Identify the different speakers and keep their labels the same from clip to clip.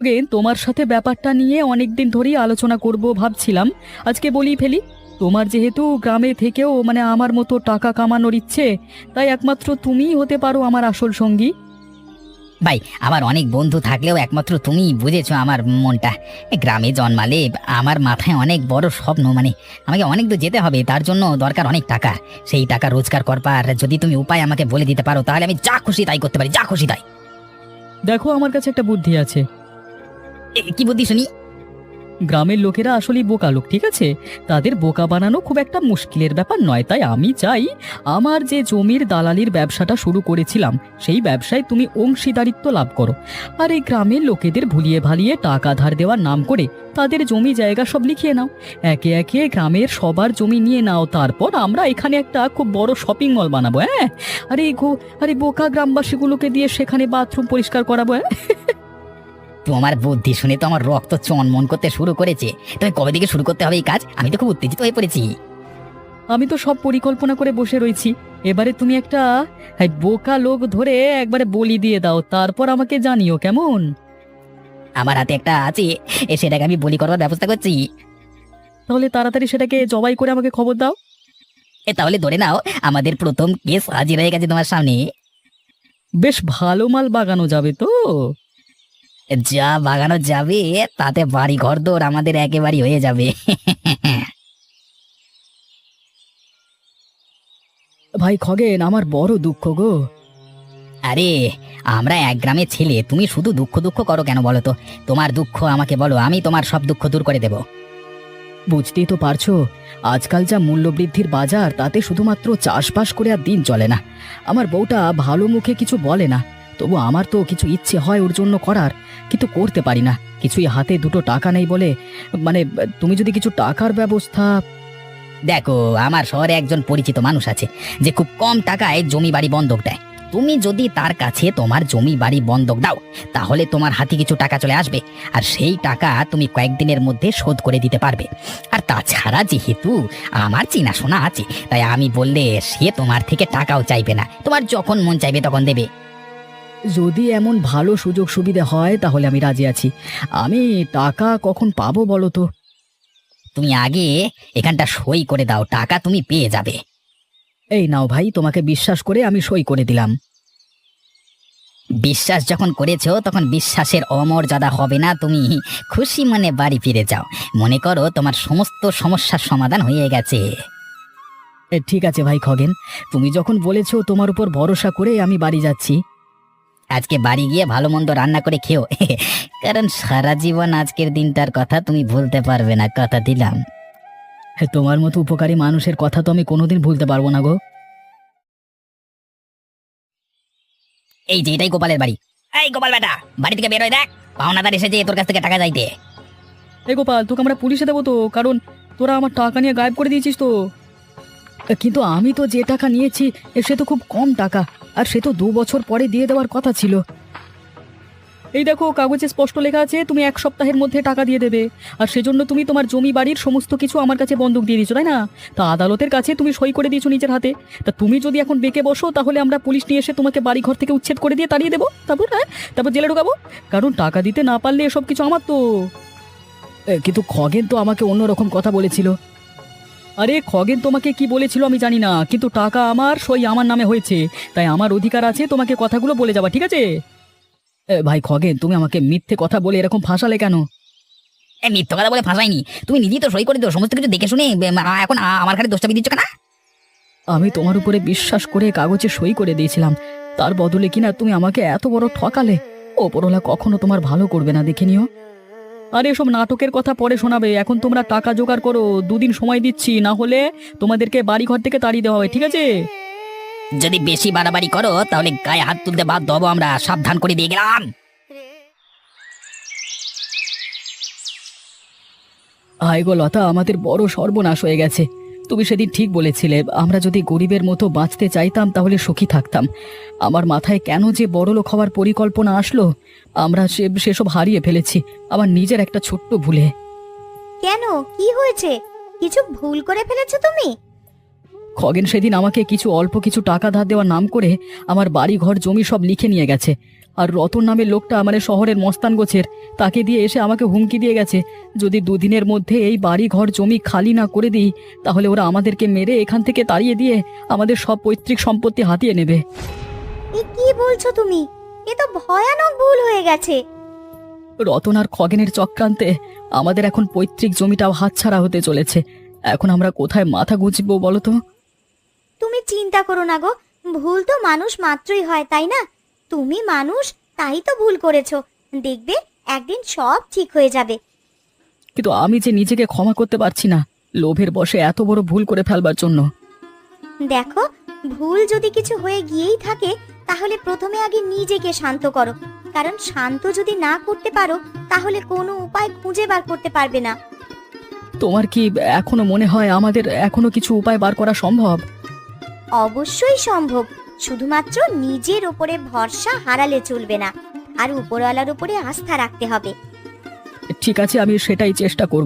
Speaker 1: তোমার সাথে ব্যাপারটা নিয়ে অনেকদিন ধরেই আলোচনা করব ভাবছিলাম, আজকে বলি ফেলি। তোমার যেহেতু গ্রামে থেকেও আমার মতো টাকা কামানোর ইচ্ছে, তাই একমাত্র তুমিই হতে পারো আমার আসল সঙ্গী।
Speaker 2: ভাই, আমার অনেক বন্ধু থাকলেও একমাত্র তুমি বুঝেছো আমার মনটা। গ্রামে জন্মালে আমার মাথায় অনেক বড় স্বপ্ন, আমাকে অনেক দূর যেতে হবে, তার জন্য দরকার অনেক টাকা। সেই টাকা রোজগার করবার যদি তুমি উপায় আমাকে বলে দিতে পারো, তাহলে আমি যা খুশি তাই করতে পারি, যা খুশি তাই।
Speaker 1: দেখো, আমার কাছে একটা বুদ্ধি আছে।
Speaker 2: কি বুদ্ধি শুনি?
Speaker 1: গ্রামের লোকেরা আসলেই বোকা লোক, ঠিক আছে? তাদের বোকা বানানো খুব একটা মুশকিলের ব্যাপার নয়। তাই আমি চাই আমার যে জমির দালালির ব্যবসাটা শুরু করেছিলাম, সেই ব্যবসায় তুমি অংশীদারিত্ব লাভ করো। আর এই গ্রামের লোকেদের ভুলিয়ে ভালিয়ে টাকা ধার দেওয়ার নাম করে তাদের জমি জায়গা সব লিখিয়ে নাও। একে একে গ্রামের সবার জমি নিয়ে নাও, তারপর আমরা এখানে একটা খুব বড় শপিং মল বানাবো। হ্যাঁ, আরে বোকা গ্রামবাসীগুলোকে দিয়ে সেখানে বাথরুম পরিষ্কার করাবো। হ্যাঁ,
Speaker 2: তোমার বুদ্ধি শুনে তো আমার রক্ত চনমন করতে শুরু করেছে। তুমি কবে থেকে শুরু করতে হবে এই কাজ? আমি তো খুব উত্তেজিত হয়ে পড়েছি।
Speaker 1: আমি তো সব পরিকল্পনা করে বসে রয়েছি। এবারে তুমি একটা বোকা লোক ধরে একবারে বলি দিয়ে দাও, তারপর আমাকে জানিও, কেমন?
Speaker 2: আমার হাতে একটা আছে, সেটাকে আমি বলি করবার ব্যবস্থা করছি।
Speaker 1: তাহলে তাড়াতাড়ি সেটাকে জবাই করে আমাকে খবর দাও।
Speaker 2: তাহলে ধরে নাও আমাদের প্রথম কেস হাজির হয়ে গেছে তোমার সামনে।
Speaker 1: বেশ ভালো মাল বাগানো যাবে তো?
Speaker 2: যা বাগানো যাবে তাতে বাড়ি ঘর দৌড় আমাদের একেবারে হয়ে যাবে।
Speaker 1: ভাই খগেন, আমার বড় দুঃখ গো।
Speaker 2: আরে, আমরা এক গ্রামের ছেলে, তুমি শুধু দুঃখ দুঃখ করো কেন বলো তো? তোমার দুঃখ আমাকে বলো, আমি তোমার সব দুঃখ দূর করে দেব।
Speaker 1: বুঝতেই তো পারছো, আজকাল যা মূল্যবৃদ্ধির বাজার, তাতে শুধুমাত্র চাষবাস করে আর দিন চলে না। আমার বউটা ভালো মুখে কিছু বলে না, তবু আমার তো কিছু ইচ্ছে হয় ওর জন্য করার, কিন্তু করতে পারি না। কিছুই হাতে দুটো টাকা নেই বলে। মানে তুমি যদি কিছু টাকার ব্যবস্থা।
Speaker 2: দেখো, আমার শহরে একজন পরিচিত মানুষ আছে যে খুব কম টাকায় জমি বাড়ি বন্ধক দেয়। তুমি যদি তার কাছে তোমার জমি বাড়ি বন্ধক দাও, তাহলে তোমার হাতে কিছু টাকা চলে আসবে, আর সেই টাকা তুমি কয়েকদিনের মধ্যে শোধ করে দিতে পারবে। আর তাছাড়া যেহেতু আমার চেনাশোনা আছে, তাই আমি বললে সে তোমার থেকে টাকাও চাইবে না, তোমার যখন মন চাইবে তখন দেবে।
Speaker 1: যদি এমন ভালো সুযোগ সুবিধা হয় তাহলে আমি রাজি আছি। আমি টাকা কখন পাবো বলো তো?
Speaker 2: তুমি আগে এখানটা সই করে দাও, টাকা তুমি পেয়ে যাবে।
Speaker 1: এই নাও ভাই, তোমাকে বিশ্বাস করে আমি সই করে দিলাম।
Speaker 2: বিশ্বাস যখন করেছো, তখন বিশ্বাসের অমর্যাদা হবে না। তুমি খুশি মনে বাড়ি ফিরে যাও, মনে করো তোমার সমস্ত সমস্যার সমাধান হয়ে গেছে।
Speaker 1: ঠিক আছে ভাই খগেন, তুমি যখন বলেছো, তোমার উপর ভরসা করে আমি বাড়ি যাচ্ছি।
Speaker 2: আজকে বাড়ি গিয়ে ভালো মন্দ রান্না করে খেও, কারণ সারা জীবন আজকের দিনটার কথা তুমি ভুলতে পারবে না, কথা দিলাম।
Speaker 1: তোমার মতো উপকারী মানুষের কথা তো আমি কোনোদিন ভুলতে পারবো না গো।
Speaker 2: এই যে এটাই গোপালের বাড়ি। এই গোপাল বেটা, বাড়ি থেকে বেরোয় দেখ, পাওনাদার এসেছে তোর কাছ থেকে টাকা চাইতে।
Speaker 1: এই গোপাল, তোকে আমরা পুলিশে দেবো তো, কারণ তোরা আমার টাকা নিয়ে গায়েব করে দিয়েছিস তো। কিন্তু আমি তো যে টাকা নিয়েছি, সে তো খুব কম টাকা, আর সে তো 2 বছর পরে দিয়ে দেওয়ার কথা ছিল। এই দেখো, কাগজে স্পষ্ট লেখা আছে তুমি 1 সপ্তাহের মধ্যে টাকা দিয়ে দেবে। আর সেজন্য তুমি তোমার জমি বাড়ির সমস্ত কিছু আমার কাছে বন্ধক দিয়ে দিয়েছো, তাই না? তা আদালতের কাছে তুমি সই করে দিয়েছো নিজের হাতে। তা তুমি যদি এখন বেঁকে বসো, তাহলে আমরা পুলিশ নিয়ে এসে তোমাকে বাড়ি ঘর থেকে উচ্ছেদ করে দিয়ে তাড়িয়ে দেবো, তারপর জেলে ঢোকাবো। কারণ টাকা দিতে না পারলে এসব কিছু আমার তো। কিন্তু খগেন তো আমাকে অন্যরকম কথা বলেছিল। আরে খগেন তোমাকে কি বলেছিল আমি জানি না, কিন্তু টাকা আমার, সই আমার নামে হয়েছে, তাই আমার অধিকার আছে তোমাকে কথাগুলো বলে যাওয়া, ঠিক আছে? ভাই খগেন, তুমি আমাকে মিথ্যে কথা বলে এরকম ফাঁসালে কেন?
Speaker 2: মিথ্যে কথা বলে ফাঁসাইনি, তুমি নিজেই তো সই করে দিও সমস্ত কিছু দেখে শুনে, এখন আমার ঘরে দোষটা দিচ্ছ কেন?
Speaker 1: আমি তোমার উপরে বিশ্বাস করে কাগজে সই করে দিয়েছিলাম, তার বদলে কিনা তুমি আমাকে এত বড় ঠকালে। ওপরওয়ালা কখনো তোমার ভালো করবে না, দেখে নিও। আরে এসব নাটকের কথা পরে শোনাবে, এখন তোমরা টাকা জোগাড় করো, 2 দিন সময় দিচ্ছি, না হলে তোমাদেরকে বাড়ি ঘর থেকে তাড়িয়ে দেওয়া হবে, ঠিক আছে?
Speaker 2: যদি বেশি বাড়াবাড়ি করো তাহলে গায়ে হাত তুলতে বাধ্য হবো আমরা, সাবধান করে দিয়ে গেলাম।
Speaker 1: হায় গো লতা, আমাদের বড় সর্বনাশ হয়ে গেছে। তুমি সেদিন ঠিক বলেছিলে, আমরা যদি গরিবের মতো বাঁচতে চাইতাম তাহলে সুখী থাকতাম। আমার মাথায় কেন যে বড়লোক হওয়ার পরিকল্পনা আসলো, আমরা সেসব হারিয়ে ফেলেছি আমার নিজের একটা ছোট্ট ভুলে।
Speaker 3: কেন, কি হয়েছে? কিছু ভুল করে ফেলেছো তুমি?
Speaker 1: খগেন সেদিন আমাকে অল্প কিছু টাকা ধার দেওয়ার নাম করে আমার বাড়ি ঘর জমি সব লিখে নিয়ে গেছে। আর রতন নামের লোকটা মানে শহরের মস্তান গোছের, তাকে দিয়ে এসে আমাকে হুমকি দিয়ে গেছে, যদি দুদিনের মধ্যে এই বাড়ি ঘর জমি খালি না করে দিই তাহলে ওরা আমাদেরকে মেরে এখান থেকে তাড়িয়ে দিয়ে আমাদের সব পৈতৃক সম্পত্তি হাতিয়ে নেবে।
Speaker 3: এ কি বলছো তুমি? এ তো ভয়ানক ভুল হয়ে গেছে।
Speaker 1: রতন আর খগেনের চক্রান্তে আমাদের এখন পৈতৃক জমিটাও হাতছাড়া হতে চলেছে। এখন আমরা কোথায় মাথা গুঁজবো বলো তো?
Speaker 3: তুমি চিন্তা করো না গো, ভুল তো মানুষ মাত্রই হয়, তাই না? তুমি মানুষ, তাই তো ভুল করেছো। দেখবে একদিন সব ঠিক হয়ে যাবে।
Speaker 1: কিন্তু আমি যে নিজেকে ক্ষমা করতে পারছি না, লোভের বশে এত বড় ভুল করে ফেলবার জন্য।
Speaker 3: দেখো, ভুল যদি কিছু হয়ে গিয়েই থাকে তাহলে প্রথমে আগে নিজেকে শান্ত করো, কারণ শান্ত যদি না করতে পারো তাহলে কোনো উপায় খুঁজে বার করতে পারবে না।
Speaker 1: তোমার কি এখনো মনে হয় আমাদের এখনো কিছু উপায় বার করা সম্ভব?
Speaker 3: অবশ্যই সম্ভব, শুধুমাত্র নিজের ওপরে ভরসা হারালে চলবে না, আর উপরওয়ালার উপরে আস্থা রাখতে হবে।
Speaker 1: ঠিক আছে, আমি সেটাই চেষ্টা করব।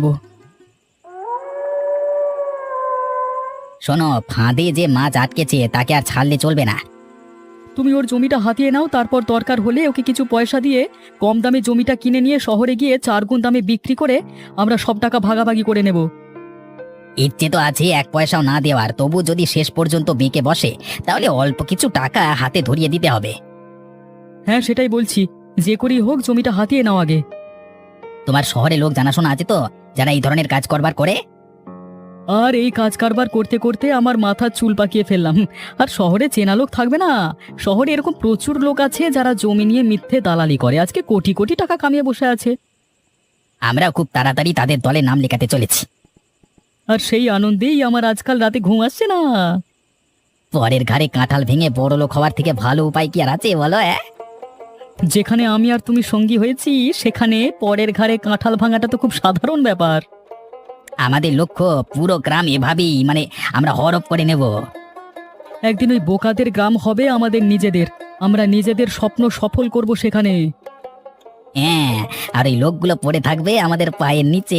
Speaker 2: শোনো, ফাঁদে যে মাছ আটকেছে তাকে আর ছাড়লে চলবে না।
Speaker 1: তুমি ওর জমিটা হাতিয়ে নাও, তারপর দরকার হলে ওকে কিছু পয়সা দিয়ে কম দামে জমিটা কিনে নিয়ে শহরে গিয়ে 4 গুণ দামে বিক্রি করে আমরা সব টাকা ভাগাভাগি করে নেব।
Speaker 2: ইচ্ছে তো আছে 1 পয়সাও না দেওয়ার, তবু যদি শেষ পর্যন্ত বেঁকে বসে তাহলে অল্প কিছু টাকা হাতে ধরিয়ে দিতে হবে।
Speaker 1: হ্যাঁ, সেটাই বলছি, যে করেই হোক জমিটা হাতিয়ে নাও আগে।
Speaker 2: তোমার শহরে লোক জানাশোনা আছে তো, যারা এই ধরনের কাজ করবার করে?
Speaker 1: আর এই কাজ কারবার করতে করতে আমার মাথার চুল পাকিয়ে ফেললাম। আর শহরে চেনা লোক থাকবে না? শহরে এরকম প্রচুর লোক আছে যারা জমি নিয়ে মিথ্যে দালালি করে আজকে কোটি কোটি টাকা কামিয়ে বসে আছে।
Speaker 2: আমরাও খুব তাড়াতাড়ি তাদের দলে নাম লেখাতে চলেছি।
Speaker 1: আর সেই আনন্দেই আমার আজকাল রাতে ঘুম আসছে না।
Speaker 2: পরের ঘাড়ে কাঁঠাল ভেঙে বড় লোক হওয়ার থেকে ভালো উপায় কি আর আছে বলো?
Speaker 1: যেখানে আমি আর তুমি সঙ্গী হয়েছি সেখানে পরের ঘাড়ে কাঁঠাল ভাঙাটা তো খুব সাধারণ ব্যাপার।
Speaker 2: আমাদের লক্ষ্য পুরো গ্রাম এভাবেই আমরা হরপ করে নেব।
Speaker 1: একদিন ওই বোকাদের গ্রাম হবে আমাদের নিজেদের, আমরা নিজেদের স্বপ্ন সফল করব সেখানে।
Speaker 2: হ্যাঁ, আর এই লোকগুলো পড়ে থাকবে আমাদের পায়ের নিচে।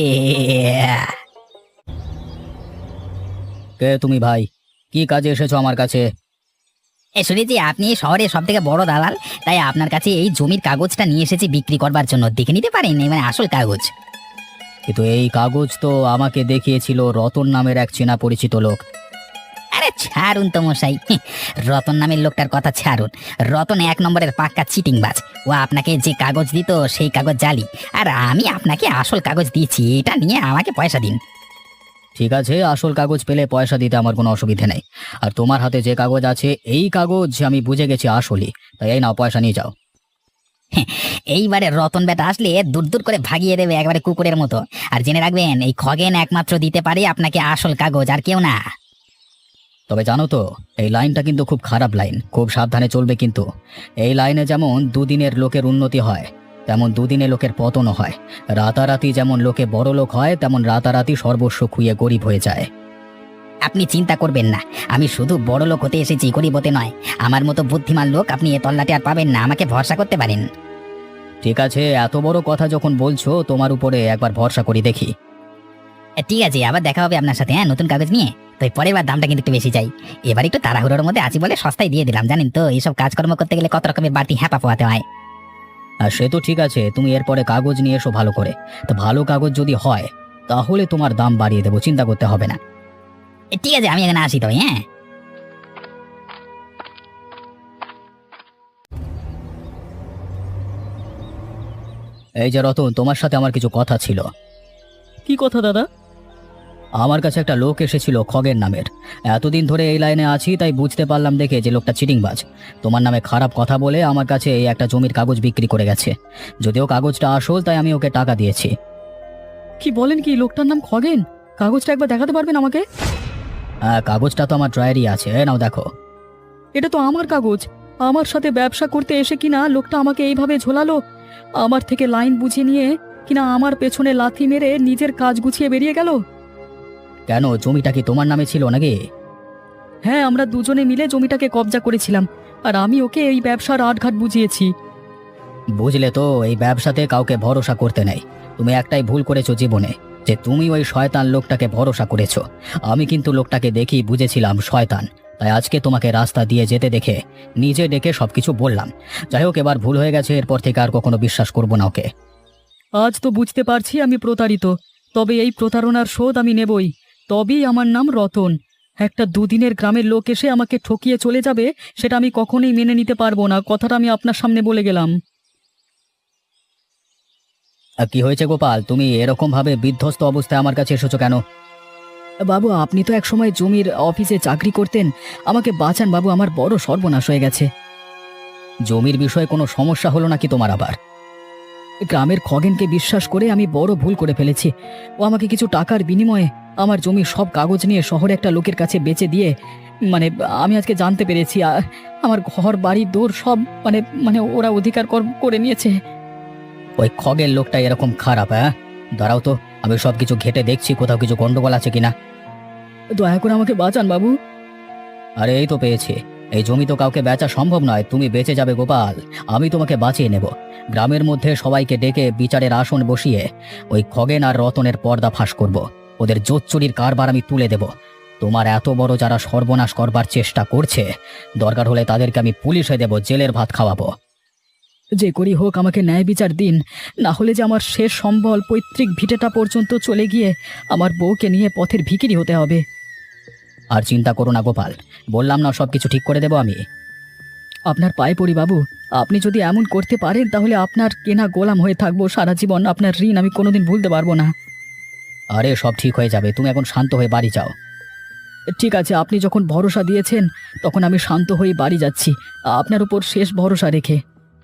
Speaker 1: কে তুমি ভাই? কি কাজে এসেছো আমার কাছে?
Speaker 2: শুনেছি আপনি শহরের সব থেকে বড় দালাল, তাই আপনার কাছে এই জমির কাগজটা নিয়ে এসেছি বিক্রি করবার জন্য। দেখে নিতে পারেন, আসল কাগজ।
Speaker 1: কিন্তু এই কাগজ তো আমাকে দেখিয়েছিল রতন নামের এক চেনা পরিচিত লোক।
Speaker 2: আরে ছাড়ুন তো মশাই, রতন নামের লোকটার কথা ছাড়ুন। রতন 1 নম্বরের পাক্কা চিটিংবাজ। ও আপনাকে যে কাগজ দিত সেই কাগজ জালি, আর আমি আপনাকে আসল কাগজ দিয়েছি। এটা নিয়ে আমাকে পয়সা দিন।
Speaker 1: ঠিক আছে, আসল কাগজ পেলে পয়সা দিতে আমার কোনো অসুবিধা নেই। আর তোমার হাতে যে কাগজ আছে এই কাগজ আমি বুঝে গেছি আসলই, তাই এই নাও পয়সা নিয়ে যাও।
Speaker 2: এইবারে রতন বেটা আসলে দূর দূর করে ভাগিয়ে দেবে একবারে কুকুরের মতো। আর জেনে রাখবেন, এই খগেন একমাত্র দিতে পারে আপনাকে আসল কাগজ, আর কেউ না।
Speaker 1: তবে জানো তো, এই লাইনটা কিন্তু খুব খারাপ লাইন, খুব সাবধানে চলবে কিন্তু। এই লাইনে যেমন দুদিনের লোকের উন্নতি হয় তেমন দুদিনে লোকের পতনও হয়। রাতারাতি যেমন লোকে বড় লোক হয় তেমন রাতারাতি সর্বস্ব খুইয়ে গরিব হয়ে যায়।
Speaker 2: আপনি চিন্তা করবেন না, আমি শুধু বড় লোক হতে এসেছি, গরিব হতে নয়। আমার মতো বুদ্ধিমান লোক আপনি এ তল্লাটে আর পাবেন না, আমাকে ভরসা করতে পারেন।
Speaker 1: ঠিক আছে, এত বড় কথা যখন বলছো তোমার উপরে একবার ভরসা করি দেখি।
Speaker 2: ঠিক আছে, আবার দেখা হবে আপনার সাথে, হ্যাঁ, নতুন কাগজ নিয়ে। তো পরের বার দামটা কিন্তু একটু বেশি চাই। এবার একটু তাড়াহুড়োর মধ্যে আছি বলে সস্তায় দিয়ে দিলাম। জানেন তো, এইসব কাজকর্ম করতে গেলে কত রকমের বাড়তি হ্যাপা পোয়াতে হয়।
Speaker 1: আর সে তো ঠিক আছে, তুমি এরপরে কাগজ নিয়ে এসো ভালো করে। তো ভালো কাগজ যদি হয় তাহলে তোমার দাম বাড়িয়ে দেবো, চিন্তা করতে হবে না।
Speaker 2: ঠিক আছে, আমি এখানে আসি তবে, হ্যাঁ।
Speaker 1: এই যে রতন, তোমার সাথে আমার কিছু কথা ছিল। কি কথা দাদা? আমার কাছে একটা লোক এসেছিল খগেন নামের। এতদিন ধরে এই লাইনে আছি তাই বুঝতে পারলাম দেখে যে লোকটা চিটিংবাজ। তোমার নামে খারাপ কথা বলে আমার কাছে এই একটা জমির কাগজ বিক্রি করে গেছে। যদিও কাগজটা আসল তাই আমি ওকে টাকা দিয়েছি। কি বলেন? কি লোকটার নাম খগেন? কাগজটা একবার দেখাতে পারবেন আমাকে? হ্যাঁ, কাগজটা তো আমার ড্রয়ারই আছে, নাও দেখো। এটা তো আমার কাগজ। আমার সাথে ব্যবসা করতে এসে কিনা লোকটা আমাকে এইভাবে ঝোলালো। আমার থেকে লাইন বুঝে নিয়ে কিনা আমার পেছনে লাথি মেরে নিজের কাজ গুছিয়ে বেরিয়ে গেল। কেন, জমিটা কি তোমার নামে ছিল নাকি? হ্যাঁ, আমরা দুজনে মিলে জমিটাকে কবজা করেছিলাম, আর আমি ওকে এই ব্যবসার আটঘাট বুঝিয়েছি। বুঝলে তো, এই ব্যবসাতে কাউকে ভরসা করতে নেই। তুমি একটাই ভুল করেছো জীবনে,
Speaker 2: যে তুমি ওই শয়তান লোকটাকে ভরসা করেছো। আমি কিন্তু লোকটাকে দেখি বুঝেছিলাম শয়তান, তাই আজকে তোমাকে রাস্তা দিয়ে যেতে দেখে নিজে ডেকে সবকিছু বললাম। যাই হোক, এবার ভুল হয়ে গেছে, এরপর থেকে আর কখনো বিশ্বাস করবো না ওকে।
Speaker 1: আজ তো বুঝতে পারছি আমি প্রতারিত, তবে এই প্রতারণার শোধ আমি নেবই। তবেই আমার নাম রতন। একটা দুদিনের গ্রামের লোক এসে আমাকে ঠকিয়ে চলে যাবে, সেটা আমি কখনোই মেনে নিতে পারবো না। কথাটা আমি আপনার সামনে বলে গেলাম।
Speaker 2: আর কি হয়েছে গোপাল, তুমি এরকম ভাবে বিধ্বস্ত অবস্থায় আমার কাছে এসেছো কেন?
Speaker 1: বাবু, আপনি তো একসময় জমির অফিসে চাকরি করতেন, আমাকে বাঁচান বাবু, আমার বড় সর্বনাশ হয়ে গেছে।
Speaker 2: জমির বিষয়ে কোনো সমস্যা হলো নাকি তোমার আবার?
Speaker 1: গ্রামের খগেনকে বিশ্বাস করে আমি বড় ভুল করে ফেলেছি। ও আমাকে কিছু টাকার বিনিময়ে আমার জমির সব কাগজ নিয়ে শহরে একটা লোকের কাছে বেচে দিয়ে, মানে আমি আজকে জানতে পেরেছি আমার ঘর বাড়ি দৌড় সব মানে মানে ওরা অধিকার করে নিয়েছে।
Speaker 2: ওই খগের লোকটা এরকম খারাপ? হ্যাঁ, দাঁড়াও তো, আমি সবকিছু ঘেটে দেখছি কোথাও কিছু গন্ডগোল আছে কিনা।
Speaker 1: দয়া করে আমাকে বাঁচান বাবু।
Speaker 2: আরে এই তো পেয়েছি। এই জমি তো কাউকে বেচা সম্ভব নয়, তুমি বেঁচে যাবে গোপাল, আমি তোমাকে বাঁচিয়ে নেব। গ্রামের মধ্যে সবাইকে ডেকে বিচারের আসন বসিয়ে ওই খগেন আর রতনের পর্দা ফাঁস করব। ওদের জোচ্চুরির কারবার আমি তুলে দেব। তোমার এত বড় যারা সর্বনাশ করবার চেষ্টা করছে, দরকার হলে তাদেরকে আমি পুলিশে দেব, জেলের ভাত খাওয়াবো।
Speaker 1: যে করি হোক আমাকে ন্যায় বিচার দিন, না হলে যে আমার শেষ সম্বল পৈতৃক ভিটেটা পর্যন্ত চলে গিয়ে আমার বউকে নিয়ে পথের ভিখিরি হতে হবে।
Speaker 2: আর চিন্তা করো না গোপাল, বললাম না সবকিছু ঠিক করে দেব আমি।
Speaker 1: আপনার পায়ে পড়ি বাবু, আপনি যদি এমন করতে পারেন তাহলে আপনার কেনা গোলাম হয়ে থাকবো সারা জীবন। আপনার ঋণ আমি কোনোদিন ভুলতে পারবো না।
Speaker 2: আরে সব ঠিক হয়ে যাবে, তুমি এখন শান্ত হয়ে বাড়ি যাও।
Speaker 1: ঠিক আছে, আপনি যখন ভরসা দিয়েছেন তখন আমি শান্ত হয়ে বাড়ি যাচ্ছি, আপনার উপর শেষ ভরসা রেখে।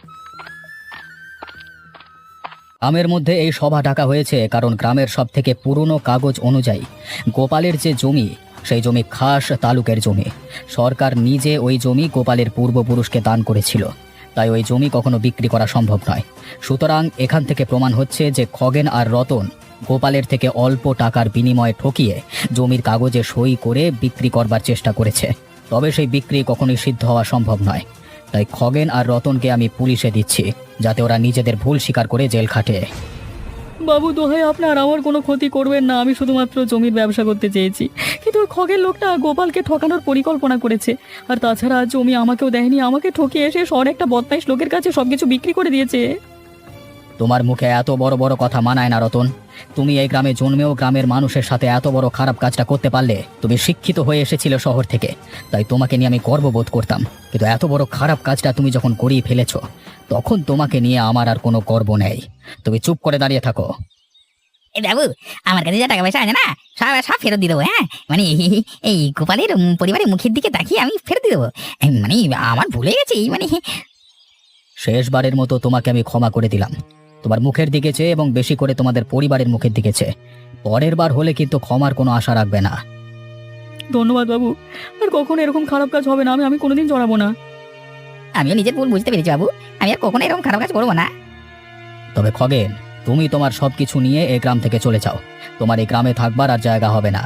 Speaker 2: গ্রামের মধ্যে এই সভা ডাকা হয়েছে কারণ গ্রামের সব থেকে পুরনো কাগজ অনুযায়ী গোপালের যে জমি, সেই জমি খাস তালুকের জমি। সরকার নিজে ওই জমি গোপালের পূর্বপুরুষকে দান করেছিল, তাই ওই জমি কখনো বিক্রি করা সম্ভব নয়। সুতরাং এখান থেকে প্রমাণ হচ্ছে যে খগেন আর রতন গোপালের থেকে অল্প টাকার বিনিময়ে ঠকিয়ে জমির কাগজে সই করে বিক্রি করবার চেষ্টা করেছে। তবে সেই বিক্রি কখনোই সিদ্ধ হওয়া সম্ভব নয়। তাই খগেন আর রতনকে আমি পুলিশে দিচ্ছি, যাতে ওরা নিজেদের ভুল স্বীকার করে জেল খাটে।
Speaker 1: বাবু দোহাই আপনার, আমার কোনো ক্ষতি করবেন না। আমি শুধুমাত্র জমির ব্যবসা করতে চেয়েছি, কিন্তু ওই খগের লোকটা গোপালকে ঠকানোর পরিকল্পনা করেছে। আর তাছাড়া জমি আমাকেও দেয়নি, আমাকে ঠকিয়ে এসে শহরে একটা বদমাইশ লোকের কাছে সবকিছু বিক্রি করে দিয়েছে।
Speaker 2: তোমার মুখে এত বড় বড় কথা মানায় না রতন। তুমি এই গ্রামে জন্মেও গ্রামের মানুষের সাথে এত বড় খারাপ কাজটা করতে পারলে। তুমি শিক্ষিত হয়ে এসেছিলে শহর থেকে, তাই তোমাকে নিয়ে আমি গর্ববোধ করতাম। কিন্তু এত বড় খারাপ কাজটা তুমি যখন করিয়ে ফেলেছো, তখন তোমাকে নিয়ে আমার আর কোনো গর্ব নেই। তুমি চুপ করে দাঁড়িয়ে থাকো।
Speaker 4: এই বাবু, আমার কাছে যা টাকা পয়সা আছে না, সব সব ফেরত দিয়ে দেবো। হ্যাঁ, মানে এই গোপালের পরিবারের মুখের দিকে তাকিয়ে আমি ফেরত দিয়ে দেবো। মানে আমার ভুলে গেছি, মানে
Speaker 2: শেষবারের মতো তোমাকে আমি ক্ষমা করে দিলাম। তোমার মুখের দিকে চেয়ে এবং বেশি করে তোমাদের পরিবারের মুখের দিকে চেয়ে। পরের বার হলে কিন্তু ক্ষমার কোনো আশা রাখবে না।
Speaker 1: ধন্যবাদ বাবু, আর কখনো এরকম খারাপ কাজ হবে না। আমি কোনোদিন জড়াবো না।
Speaker 4: আমিও নিজের ভুল বুঝতে পেরেছি বাবু, আমি আর কখনো এরকম খারাপ কাজ করবো না।
Speaker 2: তবে খগেন, তুমি তোমার সবকিছু নিয়ে এই গ্রাম থেকে চলে যাও। তোমার এই গ্রামে থাকবার আর জায়গা হবে না।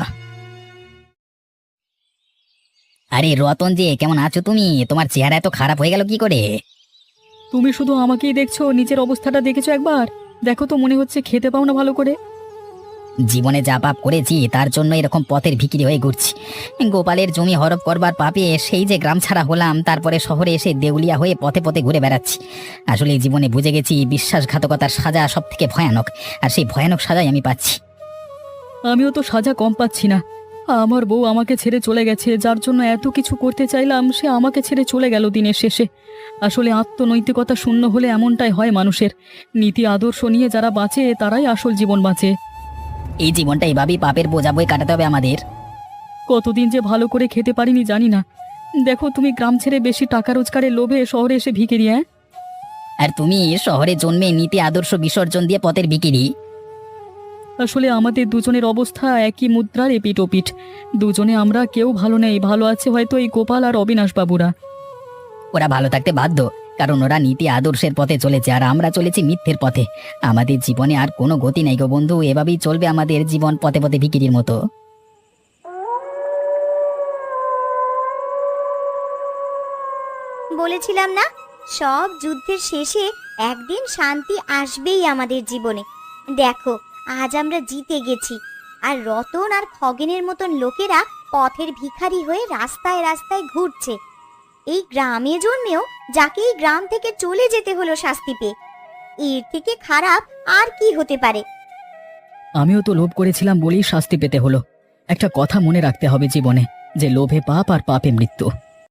Speaker 4: আরে রতন যে, কেমন আছো তুমি? তোমার চেহারা এত খারাপ হয়ে গেল কি করে?
Speaker 1: তুমি শুধু আমাকেই দেখছো, নিজের অবস্থাটা দেখেছো একবার? দেখো তো, মনে হচ্ছে খেতে পাও না ভালো করে।
Speaker 4: জীবনে যা পাপ করেছি তার জন্য এরকম পথের ভিখিরি হয়ে ঘুরছি। গোপালের জমি হরপ করবার পাপে সেই যে গ্রাম ছাড়া হলাম, তারপরে শহরে এসে দেউলিয়া হয়ে পথে পথে ঘুরে বেড়াচ্ছি। আসলে এই জীবনে বুঝে গেছি বিশ্বাসঘাতকতার সাজা সব থেকে ভয়ানক, আর সেই ভয়ানক সাজাই আমি পাচ্ছি।
Speaker 1: আমিও তো সাজা কম পাচ্ছি না। আমার বউ আমাকে ছেড়ে চলে গেছে, যার জন্য এত কিছু করতে চাইলাম সে আমাকে ছেড়ে চলে গেল দিনের শেষে। আসলে আত্মনৈতিকতা শূন্য হলে এমনটাই হয় মানুষের। নীতি আদর্শ নিয়ে যারা বাঁচে তারাই আসল জীবন বাঁচে।
Speaker 4: এই জীবনটা এভাবেই পাপের বোঝা বয়ে কাটাতে হবে আমাদের।
Speaker 1: কতদিন যে ভালো করে খেতে পারিনি জানি না। দেখো, তুমি গ্রাম ছেড়ে বেশি টাকা রোজগারের লোভে শহরে এসে ভিখিরি। হ্যাঁ,
Speaker 4: আর তুমি শহরে জন্মে নীতি আদর্শ বিসর্জন দিয়ে পথের ভিখিরি।
Speaker 1: আসলে আমাদের দুজনের অবস্থা একই মুদ্রার এপিঠ ওপিঠ। দুজনে আমরা কেউ ভালো নেই, ভালো আছে হয়তো এই গোপাল আর অবিনাশ বাবুরা।
Speaker 4: ওরা ভালো থাকতে বাধ্য, কারণ ওরা নীতি আদর্শের পথে চলেছে আর আমরা চলেছি মিথ্যের পথে। আমাদের জীবনে আর কোনো গতি নেই গো বন্ধু, এভাবেই চলবে আমাদের জীবন, পথে পথে ভিখিরির মতো।
Speaker 3: বলেছিলাম না, সব যুদ্ধের শেষে একদিন শান্তি আসবেই আমাদের জীবনে। দেখো, আজ আমরা জিতে গেছি, আর রতন আর খগেনের মতন লোকেরা পথের ভিখারি হয়ে রাস্তায় রাস্তায় ঘুরছে। এই গ্রামে জন্মেও যাকে এই গ্রাম থেকে চলে যেতে হলো শাস্তি পেয়ে। এর থেকে খারাপ আর কি হতে পারে?
Speaker 1: আমিও তো লোভ করেছিলাম বলেই শাস্তি পেতে হলো। একটা কথা মনে রাখতে হবে জীবনে, যে লোভে পাপ আর পাপে মৃত্যু।